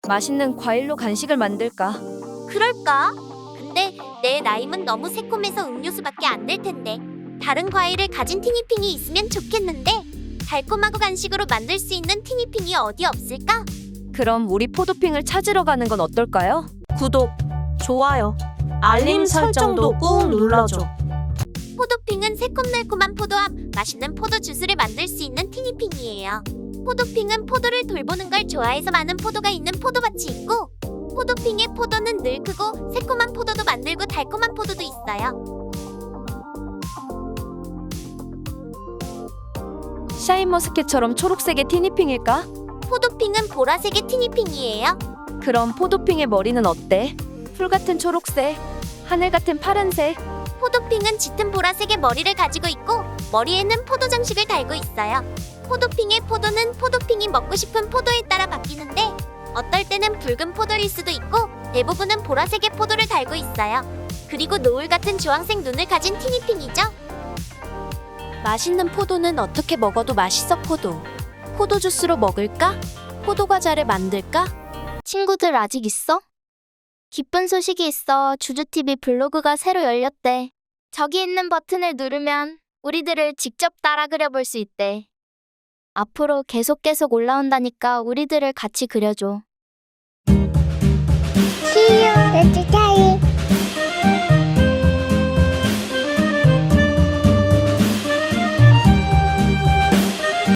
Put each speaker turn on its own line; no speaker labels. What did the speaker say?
맛있는 과일로 간식을 만들까?
그럴까? 근데 내 라임은 너무 새콤해서 음료수밖에 안 될 텐데. 다른 과일을 가진 티니핑이 있으면 좋겠는데. 달콤하고 간식으로 만들 수 있는 티니핑이 어디 없을까?
그럼 우리 포도핑을 찾으러 가는 건 어떨까요?
구독, 좋아요, 알림 설정도 꾹 눌러줘.
포도핑은 새콤달콤한 포도합, 맛있는 포도 주스를 만들 수 있는 티니핑이에요. 포도핑은 포도를 돌보는 걸 좋아해서 많은 포도가 있는 포도밭이 있고, 포도핑의 포도는 늘 크고 새콤한 포도도 만들고 달콤한 포도도 있어요.
샤인머스켓처럼 초록색의 티니핑일까?
포도핑은 보라색의 티니핑이에요.
그럼 포도핑의 머리는 어때? 풀 같은 초록색, 하늘 같은 파란색.
포도핑은 짙은 보라색의 머리를 가지고 있고 머리에는 포도 장식을 달고 있어요. 포도핑의 포도는 포도핑이 먹고 싶은 포도에 따라 바뀌는데 어떨 때는 붉은 포도일 수도 있고 대부분은 보라색의 포도를 달고 있어요. 그리고 노을 같은 주황색 눈을 가진 티니핑이죠. 맛있는 포도는 어떻게 먹어도 맛있어. 포도 주스로 먹을까? 포도 과자를 만들까? 친구들 아직 있어? 기쁜 소식이 있어. 주주TV 블로그가 새로 열렸대. 저기 있는 버튼을 누르면 우리들을 직접 따라 그려볼 수 있대. 앞으로 계속 올라온다니까 우리들을 같이 그려줘.